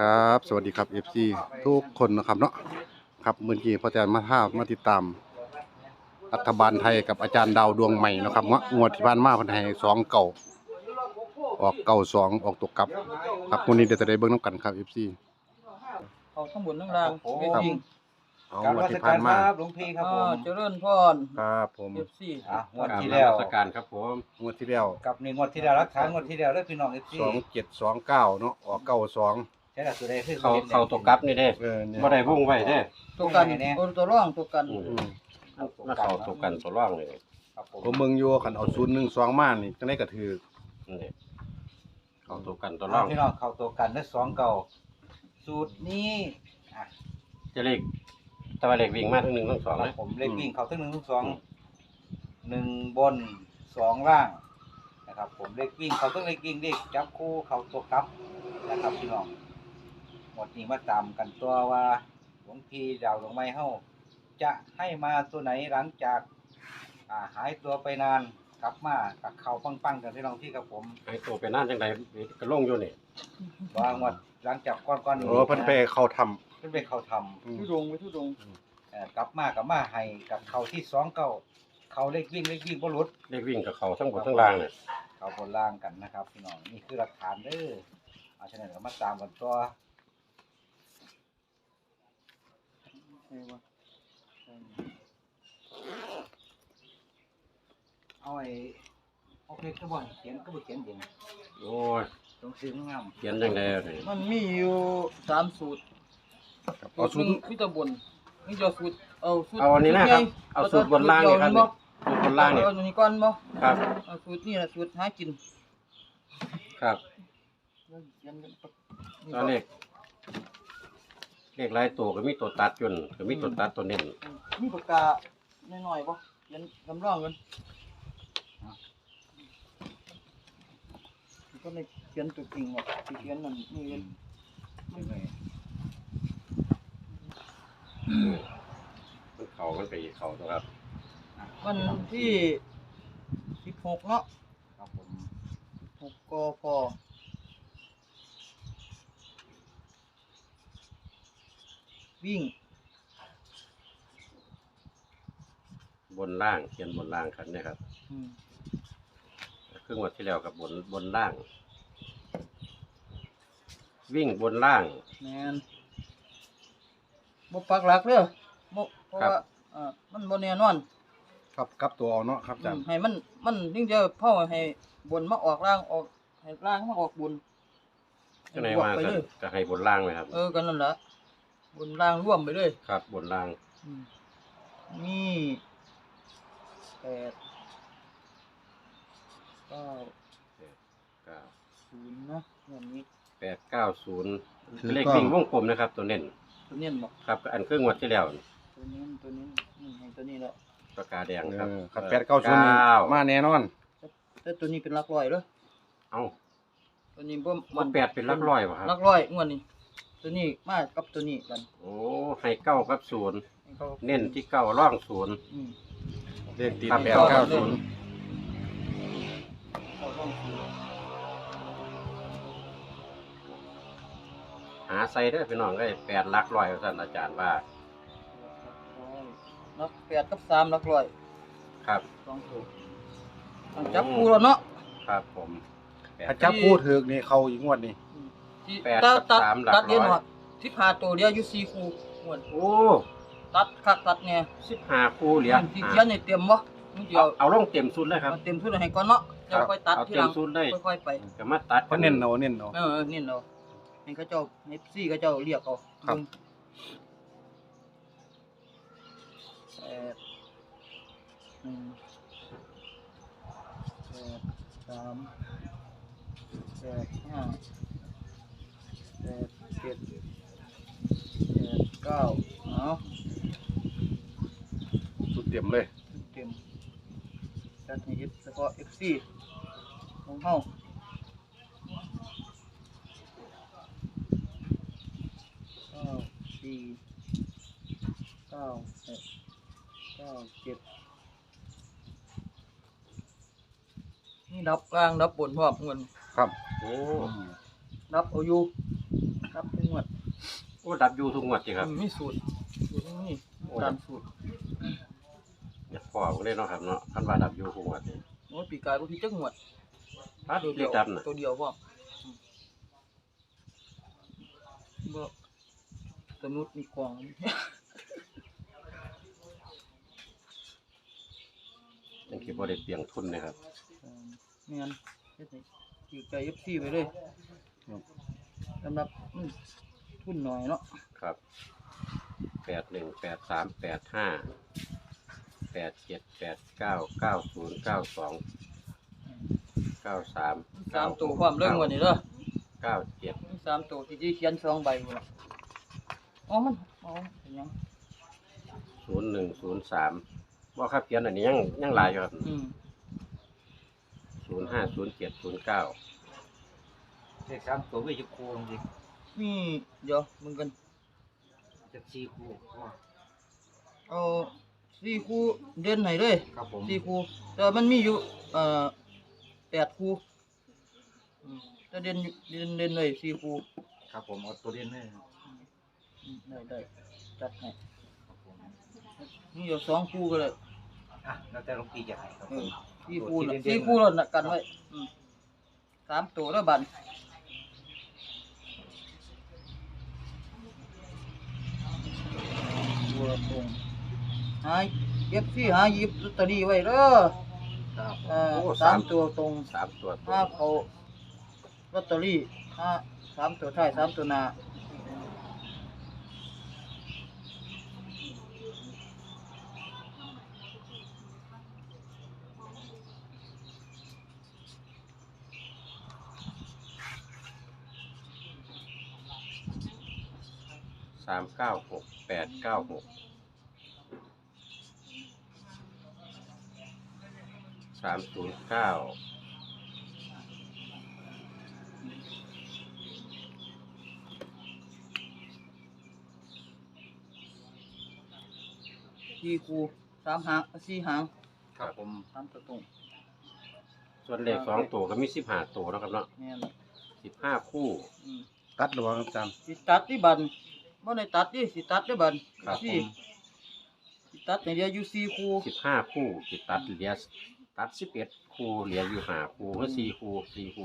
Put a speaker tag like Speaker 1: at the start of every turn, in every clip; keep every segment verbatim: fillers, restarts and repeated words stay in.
Speaker 1: ครับสวัสดีครับ เอฟ ซี ทุกคนนะครับเนาะครับเมื่อกี้พอแจนมาท่ามาติดตามรัฐบาลไทยกับอาจารย์ดาวดวงใหม่นะครับเนาะงวดที่ผ่านมาเพิ่นให้สองเก่าออกเก่าสองออกตกกลับครับวันนี้เดี๋ยวจะได้เบิ่งนํกันครับ เอฟ ซี
Speaker 2: เอาทั้งบนทั้งล่างเว
Speaker 1: ครับ
Speaker 2: ที
Speaker 1: เอา
Speaker 3: การ
Speaker 1: งวด
Speaker 3: วั
Speaker 1: ที่
Speaker 3: ส
Speaker 1: ผ่า
Speaker 3: การ
Speaker 1: น
Speaker 3: ค
Speaker 1: มา
Speaker 3: รับหลวงพี่ครับผม
Speaker 2: เจริญพร
Speaker 1: ครับผม
Speaker 2: เอฟซี
Speaker 3: อ่ะงวด
Speaker 4: กราบ
Speaker 3: ที่
Speaker 4: น
Speaker 3: แล้ว
Speaker 4: มัสการครับผม
Speaker 1: งวดที่แล้ว
Speaker 3: กับในงวดที่แล้วรักษางวดที่แล้วแล้วพี่น้องเอฟซี
Speaker 1: สองเจ็ดสองเก้าเนาะออกเก้าสอง
Speaker 3: ใช่ละตัวใดคือ
Speaker 4: เขาเขาตกกลับนี่เด้
Speaker 1: เออเนี่ย
Speaker 4: บ่ได้วงไว้เด้
Speaker 2: ตัวกันโอตัวร่องตัวกัน
Speaker 4: อืม
Speaker 1: อืม
Speaker 4: แล้วเขาตกกันตัวร่องเลย
Speaker 3: ครับผม
Speaker 1: ผมเบิ่งอยู่คันเอาศูนย์หนึ่งสองมานี่จังได๋ก็ถือ
Speaker 4: นี่เขาตกกันตัวร่
Speaker 3: อ่ะ
Speaker 4: อง
Speaker 3: พี่น้องเข้าตัวกันได้สองเก่าสูตรนี้อ่ะ
Speaker 4: จะเลขแต่ว่าเลขวิ่งมาทั้งหนึ่งทั้งสอง
Speaker 3: ครั
Speaker 4: เล
Speaker 3: บ
Speaker 4: ย
Speaker 3: ผมเลขวิ่งเข้าทั้งหนึ่งทั้งสอง
Speaker 4: อืม
Speaker 3: หนึ่งบนสองล่างนะครับผมเลขวิ่งเข้าทั้งเลขวิ่งเลขจับคู่เข้าตัวกลับนะครับพี่น้องหมดนี้มาตามกันตัวว่าหลวงพี่ดาวหลวงไม้เฮาจะให้มาตัวไหนหลังจากอ่าหายตัวไปนานกลับมากับเขาปังๆกันพี่น้องที่กับผม
Speaker 4: ไอ้ตัวไปนั่นจังไดก็ลงอยู่นี่
Speaker 3: วางวัดหลังจากก้อนๆนี้
Speaker 1: โอ้เพิ่นไปเข้าทำ
Speaker 3: เพิ่นไปเขาท
Speaker 1: อืม
Speaker 2: ทุดงไปทุดง
Speaker 3: ำเอ่อกลับมากับมาให้กับเขาที่สองเก้าเขาเลขวิ่งเลขวิ่งบ่หลุด
Speaker 4: เลขวิ่งกับเขาทั้งบนทั้งล่างเนี่ย
Speaker 3: เขาบนล่างกันนะครับพี่น้องนี่คือหลักฐานเด้อเอาฉะนั้นก็มาตามกันตัวเอาไอ้เอาเพชรก็บ่เขียนก็บ่เขียนเอง
Speaker 4: โอ้ย
Speaker 3: ต้องซื้องาม
Speaker 4: เขียนจังไดนี่
Speaker 2: มันมีอยู่สามสูตร
Speaker 1: เอา
Speaker 2: สู
Speaker 1: ศู
Speaker 2: ต
Speaker 1: น
Speaker 2: ร
Speaker 1: ย์
Speaker 2: มีแต่บนมีแต่สูตรเอาสูตร
Speaker 4: เอาอันนี้นะครับเอาสูตรบนล่างนี่ครับนี่สูตรบนล่างนี่
Speaker 2: เอาตัวนี้ก่อนบ่
Speaker 4: ครับ
Speaker 2: เอาสูตรนี่แหละสูตรหากิน
Speaker 4: ครับ
Speaker 2: เขียนกัน
Speaker 4: ตัวเลขเลขหลายตัวก็มีตัวตัดจนก็มีตัวตัดตัวเน้น
Speaker 2: มีปากกาหน่อยๆบ่เขียนคำร้องกันก็เลยเขียนตัวจริงอ่ะที่เขียนนั่นนี่เอง
Speaker 3: ไม่ไม่
Speaker 4: มันเขามันไปเขาตัวครับ
Speaker 2: วันที่สิบหกเนาะ
Speaker 3: ครับผม
Speaker 2: หกกพวิ่ง
Speaker 4: บนล่างเขียนบนล่างครับเนี่ยครับ
Speaker 2: อืม
Speaker 4: ครึ่งวันที่แล้วกับบนบนล่าง วิ่งบนล่าง
Speaker 2: แมนบ่ปักหลักเด้อบ่เพราะ
Speaker 4: ครับ
Speaker 2: ว่าเอ่อมันบ่แน่นอน
Speaker 1: ครับกลับตัวเอาเนาะครับอาจาร
Speaker 2: อื
Speaker 1: ย์
Speaker 2: มให้มันมันถึงจะเผาให้บนมาออกล่างออกให้ล่างมาออกบน
Speaker 4: ก็ไหน
Speaker 2: บวก
Speaker 4: ว่า
Speaker 2: ไป
Speaker 4: ก็
Speaker 2: เลย
Speaker 4: ก็ให้บนล่างไหมครับ
Speaker 2: เออกันนั่นล่ะบนล่างร่วมไปเลย
Speaker 4: ครับ บนล่าง
Speaker 2: อืมมีแปดเก้า
Speaker 4: เก้า
Speaker 2: ศูนย์เนาะอย่างนี้
Speaker 4: แปดเก้าศูนย์เลขวิ่งวงกลมนะครับ ตัวเน้น
Speaker 2: ตัวเนี้ยบ่
Speaker 4: ครับ อันครึ่งวันที่แล้ว
Speaker 2: ตัวนี้ตัวนี้นี่ให้ตัวนี้แหละ
Speaker 4: ปากกาแดง
Speaker 1: เอ
Speaker 4: ครับ
Speaker 1: อครับแปดเก้าศูนย์นี่มาแน่นอน
Speaker 2: แต่ตัวนี้เป็นหลักร้อยเด้อ
Speaker 4: เอ้า
Speaker 2: ตัวนี้บ่
Speaker 4: มันแปดเป็นหลักร้อยป่ะครับ
Speaker 2: หลักร้อยงวดนี้ตัวนี้มากับตัวนี้กัน
Speaker 4: โอ้ให้เก้ากับศูนย์
Speaker 2: ให้เขา
Speaker 4: เน้นที่เก้าร่องศูนย์
Speaker 2: อืม
Speaker 1: เลขติด
Speaker 4: ครับ
Speaker 1: แปดเก้าศูนย์
Speaker 2: เขาต้องซื้อ
Speaker 4: หาใส่เด้อพี่น้องได้แปดหลักร้อยท่านอาจารย์ว่า
Speaker 2: นักแปดกับสามหลักร้อย
Speaker 4: ครับ
Speaker 2: สองตัวต้องจับคู่แล้วเนาะ
Speaker 4: ครับผมแปด
Speaker 1: ถ้าจับคู่ถึกนี่เข้าอีกงวดนี่
Speaker 2: ที่
Speaker 4: แปด
Speaker 2: ตั
Speaker 4: กับ
Speaker 2: ตัด
Speaker 4: สามหลัก
Speaker 2: ตัดเดียว
Speaker 4: ร้อย
Speaker 2: หมดที่พาตัวเดียวอยู่สี่คู่งวด
Speaker 4: โอ้
Speaker 2: ตัดคักตัดแน่
Speaker 4: สิบห้าคู่เหรียญ
Speaker 2: ที่เขียนในเตรียมบ่มึงเดีย
Speaker 4: เอา
Speaker 2: ว
Speaker 4: เอาลงเต็มสุดเลยครับ
Speaker 2: มันเต็มทุนให้ก่อนเนาะแล้วค่อยตัด
Speaker 4: เอา
Speaker 2: ที
Speaker 4: เต็
Speaker 2: หลั
Speaker 4: ม
Speaker 2: ง
Speaker 4: สุดเลย
Speaker 2: ค่อยๆไป
Speaker 4: ก็มาตัด
Speaker 1: เพราะเน้นเอาเน้นเอา
Speaker 2: เออนี่เนาะให้เขาเจ้าให้ซี่เขาเจ้าเรียกเอา
Speaker 1: ครับ
Speaker 2: แปดหนึ่งแปดสามแปดห้าแปดเจ็ดแปดเก้าเนาะ
Speaker 1: สุดเต็มเลย
Speaker 2: เต็มจัดให้เอฟเฉพาะ เอฟ ซี ของเฮาเก้าสี่เก้าหกเก้าเจ็ดนี่ดับกลางดับบนพร้อมเงิน
Speaker 1: ครับ
Speaker 4: โอ้
Speaker 2: ดับเอาอยู่ครับทุกงวด
Speaker 4: โอ้ดับอยู่ทุกงวดสิครับ
Speaker 2: มีสูตรสูตรนี่ตามสูตร
Speaker 4: อยากพอผมเลยเนาะครับเนาะคันว่าดับอยู่ทุกงวดนี่
Speaker 2: โอ้ปีกายบ่พี่จักงวด
Speaker 4: ถ้า
Speaker 2: ตัว
Speaker 4: เรี
Speaker 2: เดี
Speaker 4: ย
Speaker 2: ย
Speaker 4: ก
Speaker 2: ว
Speaker 4: ดับน่ะ
Speaker 2: ตัวเดียวพ่อบ่สนุดมีกล่อง
Speaker 4: ยังคิดบ่ได้เปลียงทุนนะครับ
Speaker 2: เออไม่งั้นเฮ็ดให้ถือใจ เอฟ ซี ไปเลยสำหรับอืมทุนหน่อยเนาะ
Speaker 4: ครับแปดหนึ่งแปดสามแปดห้าแปดเจ็ดแปดเก้าเก้าศูนย์เก้าสองเก้าสาม
Speaker 2: สามตัวความเรื่องวันนี้เด้อ
Speaker 4: เก้าเจ็ด
Speaker 2: มีสามตัวที่ที่เขียนสองใบพุ่นล่ะอ๋อมันอ๋อเป็นหยัง
Speaker 4: ศูนย์หนึ่งศูนย์สามว่าครับเขียนอันนี้ยังยังหลายอยู่ครับ
Speaker 2: อืม
Speaker 4: ศูนย์ห้าศูนย์เจ็ดศูนย์เก้า
Speaker 3: เลขสามตัวไม่จะคูจริง
Speaker 2: มีเดี๋ยวมึงกัน
Speaker 3: จะสี่คูว่า
Speaker 2: เอาสี่คู่เด่นให้เลย
Speaker 3: ครับผม
Speaker 2: สี่คู่แต่มันมีอยู่เอ่อแปดคู่อืมแต่เด่นอยู่เด่นเด่นเลยสี่คู่
Speaker 3: ครับผมเอาตัวเด่นเลย
Speaker 2: อืมได้ได้จัดให้
Speaker 3: ครับผม
Speaker 2: มีอยู่สองคู่ก็เลย
Speaker 3: อ่ะแล้วแต่หลวงพี่จะให้ครับ
Speaker 2: เอ
Speaker 3: ผม
Speaker 2: อสี่คู่น่ะ
Speaker 3: ตัวที่เด่นๆ
Speaker 2: สี่คู่แล้วน่ะกันไว้อืมสามตัวแล้วบันตัวตรงหาเอฟซีหาหยิบลอตเตอรี่ไว้เด้อ
Speaker 3: ครับ
Speaker 2: เอ่อสามตัวตรง
Speaker 4: สามตัวตร
Speaker 2: ห้าง เขาลอตเตอรี่ห้าสามตัวท้ายสามตัวหน้า
Speaker 4: สามเก้าหกแปดเก้าหกสามศูนย์เก้า
Speaker 2: สี่คูสามหางสี่หาง
Speaker 3: ครับผม
Speaker 2: สามตัวตรง
Speaker 4: ส่วนเลขสองตัวก็มีสิบห้าตัวเนาะครับเนาะ
Speaker 2: แม่น
Speaker 4: สิบห้าคู่
Speaker 2: อืม
Speaker 1: ตัดหรือว่าอาจารย์
Speaker 2: สิตัดที่บันบ่ได้ตัดดิสิตัดที่บัน
Speaker 4: ครับ
Speaker 2: สี่สิตัดในเดียวอยู่สี่คู
Speaker 4: สิบห้าคู่สิตัดเหลือตัดสิบเอ็ดคู่เหลืออยู่ห้าคู่ก็สี่คู่สี่คู่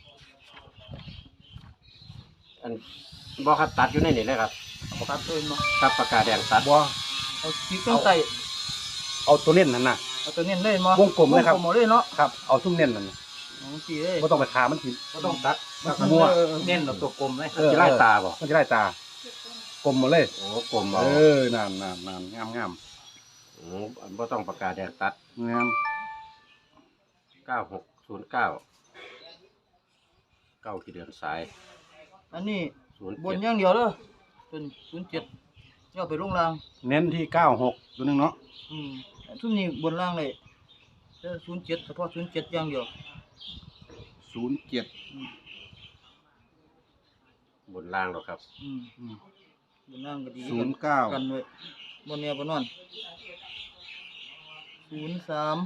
Speaker 4: อันบอครับตัดอยู่ในนี่เลยครับ
Speaker 2: ตัดเอิ้นเนาะ
Speaker 4: ตัดปากกาแดงตัด
Speaker 1: บ่
Speaker 2: เอาขีดต้องใส่
Speaker 1: เอาตัวเน้นนั่นน่ะ
Speaker 2: เอาตัวเน้นเลยมั้
Speaker 1: วงกลมเลยครับ
Speaker 2: วงกลมเลยเนาะ
Speaker 1: ครับเอาซุ่มเน้นนั่นน่ะ
Speaker 2: เอาสิเอ้ย
Speaker 1: บ่ต้องไปขามันสิ
Speaker 3: ก็ต้องตัด
Speaker 1: มั่ว
Speaker 2: เออเออ
Speaker 3: เน้นเอาตัวกลมเลย
Speaker 1: เออ
Speaker 4: จะไล่ตาบ่
Speaker 1: มันจะได้ตากลมหมดเลย
Speaker 4: โอ้กลมเอา
Speaker 1: เออนั่นนั่นนั่นงามงาม
Speaker 4: อืมบ่ต้องปากกาแดงตัด
Speaker 1: งาม
Speaker 4: เก้าหกศูนย์เก้าเก้าที่เดือนสาย
Speaker 2: อันนี้
Speaker 4: ศูนย์
Speaker 2: บน
Speaker 4: เจ็ด
Speaker 2: อย่างเดียวเด้อเป็นศูนย์เจ็ดย่อไปลงล่าง
Speaker 1: เน้นที่เก้าหกตัวหนึงเนาะ
Speaker 2: อืมทุกนี้บนล่างเลยแต่ศูนย์เจ็ดเฉพาะศูนย์เจ็ดอย่างเดียว
Speaker 1: ศูนย์เจ็ด
Speaker 2: อืม
Speaker 4: บนล่างหรอกครับ
Speaker 2: อืมบนล่างก็ดี
Speaker 1: ศูนย์เก้า
Speaker 2: กันไว้บนเนี้ยบนนอนศูนย์สาม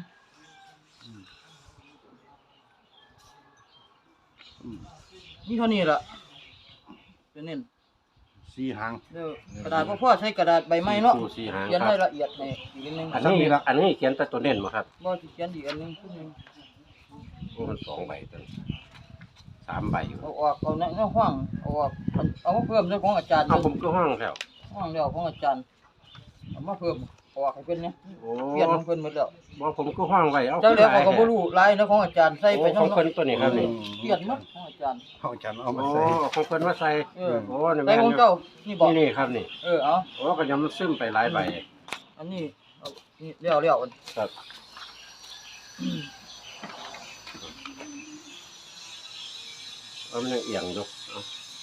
Speaker 2: นี่เท่านี้ล่ะจะเน้น
Speaker 1: สี่หาง
Speaker 2: เด้อกระดาษพ่อพ่อใช้กระดาษใบไม้เนาะ
Speaker 4: คู่สี่หาง
Speaker 2: เขียน
Speaker 4: ค
Speaker 2: ให้
Speaker 4: รับ
Speaker 2: ละเอียดให้อีกนิดนึง
Speaker 4: อันนี้อันนี้เขียนแต่ตัวเน้นมาครับ
Speaker 2: บ่สิเขียนอีกอันนึงขึ้นนึง
Speaker 4: โอ้มันสองใบตัวนี้สามใบอยู่
Speaker 2: เอาออกเอาในในห้องเอาออกเอามาเพิ่มด้วยของอาจารย์
Speaker 4: เอาผมก็ห้องแล้ว
Speaker 2: ห้องเดียวของอาจารย์เอามาเพิ่มเอาออกให้เพิ่นเนี่ย
Speaker 4: โอ้
Speaker 2: เปลี่ยนของเพิ่นหมดแล้ว
Speaker 4: บ่ผมก็ห้องไว้เอา
Speaker 2: เจ้าเดี๋ยว
Speaker 4: ขึ้น
Speaker 2: เขาก็บ่
Speaker 4: แท้
Speaker 2: รู้ลายนะของอาจารย์ใส่ไป
Speaker 4: โอ้ของ
Speaker 2: เนาะ
Speaker 4: เพิ่นตัวนี้ครับนี่
Speaker 2: เปลี่ยนหมดของอาจารย์
Speaker 1: เอาอาจารย์เอามา
Speaker 4: โอ้
Speaker 1: ใส่
Speaker 4: ของเพิ่นว่าใส่
Speaker 2: เออ
Speaker 4: โอ้นี่
Speaker 2: ใส่
Speaker 4: แม่น
Speaker 2: ของ
Speaker 4: อยู่
Speaker 2: เจ้านี่บอก
Speaker 4: นี่นี่ครับนี่
Speaker 2: เออเอา
Speaker 4: โอ้ก็ยังมันซึมไปหลายใบ
Speaker 2: อันนี้เอานี่เลี้ยวเลี้ยวอัน
Speaker 4: ครับเอามันยังเอียงอยู่เอา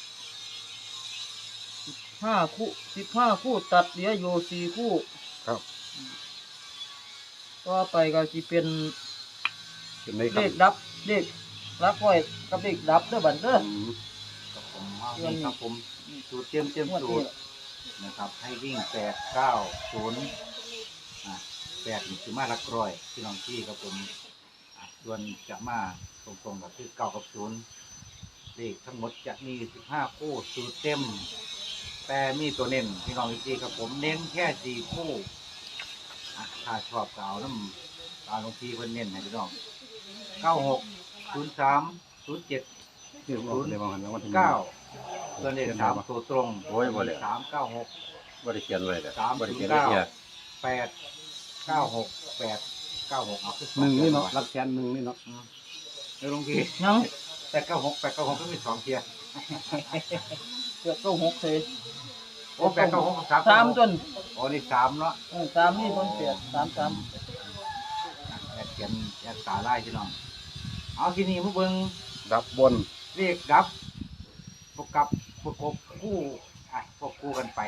Speaker 2: ห้าคู่สิบห้าคู่ตัดเหลืออยู่สี่คู่
Speaker 1: ครับ
Speaker 2: ต่อไปก็สิเป็น
Speaker 1: เป็นในค
Speaker 2: เล
Speaker 1: รับ
Speaker 2: ขดับเลขรักไว้กับเลขดับเด้อบัดเด้อ
Speaker 1: อืม
Speaker 3: ครับผมเอานี่ครับผมสูตรเตรียมเตรียม
Speaker 2: งวด
Speaker 3: สู
Speaker 2: นี้
Speaker 3: ตรนะครับให้วิ่งแปดเก้าศูนย์อ่ะแปดนี่คือมาหลักร้อยพี่น้องที่ครับผมอ่ะส่วนจะมาตรงๆกับคือเก้ากับศูนย์เลขทั้งหมดจะมีสิบห้าคู่สูตรเต็มแต่มีตัวเน้นพี่น้องอีกทีครับผมเน้นแค่สี่คู่อ่ะถ้าชอบก็เอาน้ำตาลงทีเพิ่นเน้นให้พี่น้องเก้าหกศูนย์สามศูนย์เจ็ด
Speaker 1: เดี๋ยวบอกเดี๋ยวบอกหันแล้ววันที่
Speaker 3: เก้าตัวเลขสามตัวตรง
Speaker 4: โอ้ยบ่เลย
Speaker 3: สามเก้าหก
Speaker 4: บ่ได้เขียนไว้เลย
Speaker 3: สาม
Speaker 4: บ่ได้
Speaker 3: ศู
Speaker 4: เขีย
Speaker 3: น
Speaker 4: น
Speaker 3: ย์
Speaker 4: ไว้
Speaker 3: เก้า
Speaker 4: เนี่ย
Speaker 3: แปดเก้าหกแปดเก้าหกเอาขึ้
Speaker 1: หนึ่งนี่เนาะรักแสนหนึ่งนี่เนาะ
Speaker 3: เดี๋ยวลงที
Speaker 2: ยัง
Speaker 3: แปดเก้าหกแปดเก้าหกก็มีสองเทียร์
Speaker 2: เกือบก็หกเลย
Speaker 3: โอ้แปดเก้าหกสาม
Speaker 2: สามต้น
Speaker 3: โอ้นี่สามเนาะ
Speaker 2: เออสามนี่คนเปียดสามสาม
Speaker 3: แอดเขียนแอดตาไล่พี่น้องเอาที่นี่มาเบิ่ง
Speaker 1: ดับบน
Speaker 3: เรียกดับพวกกับพวกกบคู่อ่ะพวกคู่กันไป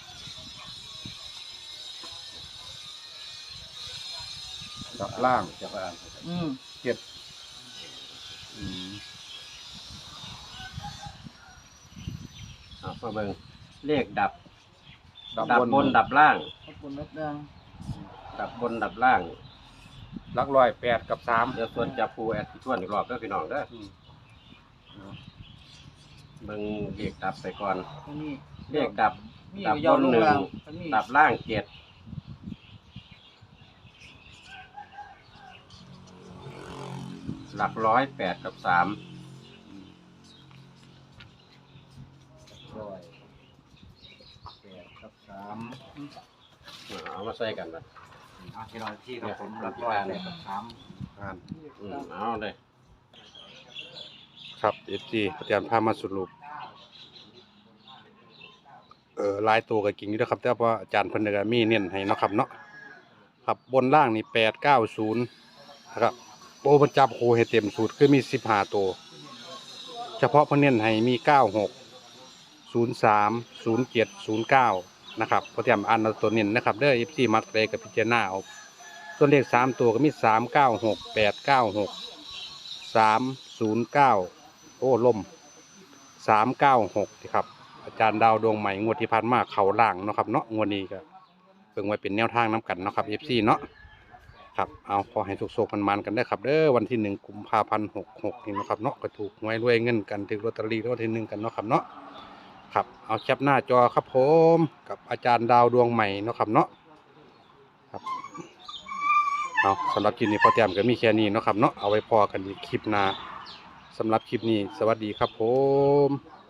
Speaker 1: ดับล่าง
Speaker 4: จะอ่าน
Speaker 2: อืม
Speaker 1: เจ็ดอืม
Speaker 4: เอามาเบิ่งเลขดับ
Speaker 1: ดับ
Speaker 4: ดับบ
Speaker 1: น
Speaker 4: บนดับล่าง
Speaker 2: ขอบคุณนักดัง
Speaker 4: ดับบนดับล่าง
Speaker 1: ลักร้อยแปดกับสาม
Speaker 4: เดี๋ยวส่วนจับผู้แอดที่ชวนอีกรอบเด้อพี่น้องเด้อ
Speaker 1: อืม
Speaker 4: เบิ่งเลขดับไปก่อน
Speaker 2: อันนี้
Speaker 4: เลขดับ
Speaker 2: มี
Speaker 4: ดับ
Speaker 2: ยาว
Speaker 4: บน
Speaker 2: ลง
Speaker 4: หนึ่ง
Speaker 2: ล่างอันนี้
Speaker 4: ดับล่างเจ็ดหลักร้อยแปดกับสาม
Speaker 3: ร้อยแปดกับสาม
Speaker 4: เอามาใส่กันนะ
Speaker 3: เอาที่น้องที่ครับผมรับร้อยแปดกับสาม
Speaker 1: อ่าน
Speaker 4: อืมเอาเลย
Speaker 1: ครับเอฟซีอาจารย์พามาสรุปเออลายตัวกับกิ่งอยู่นะครับแต่ว่าอาจารย์เพันธกมีเน้นให้เนาะครับเนาะครับบนล่างนี่แปดเก้าศูนย์นะครับโอ้มันจับโคให้เต็มสูตรคือมีสิบห้าตัวเฉพาะเพันเน้นให้มีเก้าหกศูนย์สามศูนย์เจ็ดศูนย์เก้านะครับพอเตรียมอ่านเอาตัวเน้นนะครับเด้อเอฟซีมัดเลยกับพิจารณาเอาส่วนเลขสามตัวก็มีสามเก้าหกแปดเก้าหกสามศูนย์เก้าโอ้ล่มสามเก้าหกครับอาจารย์ดาวดวงใหม่งวดที่ผ่านมาเขาล่างเนาะครับเนาะงวดนี้ก็เพิ่งไว้เป็นแนวทางน้กันเนาะครับเอฟซีเนาะครับเอาขอให้สุกๆมันๆกันได้ครับเด้อวันที่หนึ่งกุมภาพันธ์หกหกนี่เนาะครับเนาะก็ถูกหวยรวยเงินกันถึงลอตเตอรี่รางวัลที่หนึ่งกันเนาะครับเนาะครับเอาแคปหน้าจอครับผมกับอาจารย์ดาวดวงใหม่เนาะครับเนาะครับเอาสำหรับคลิปนี้พอเตรียมก็มีแค่นี้เนาะครับเนาะเอาไว้พอกันอีกคลิปหน้าสำหรับคลิปนี้สวัสดีครับผม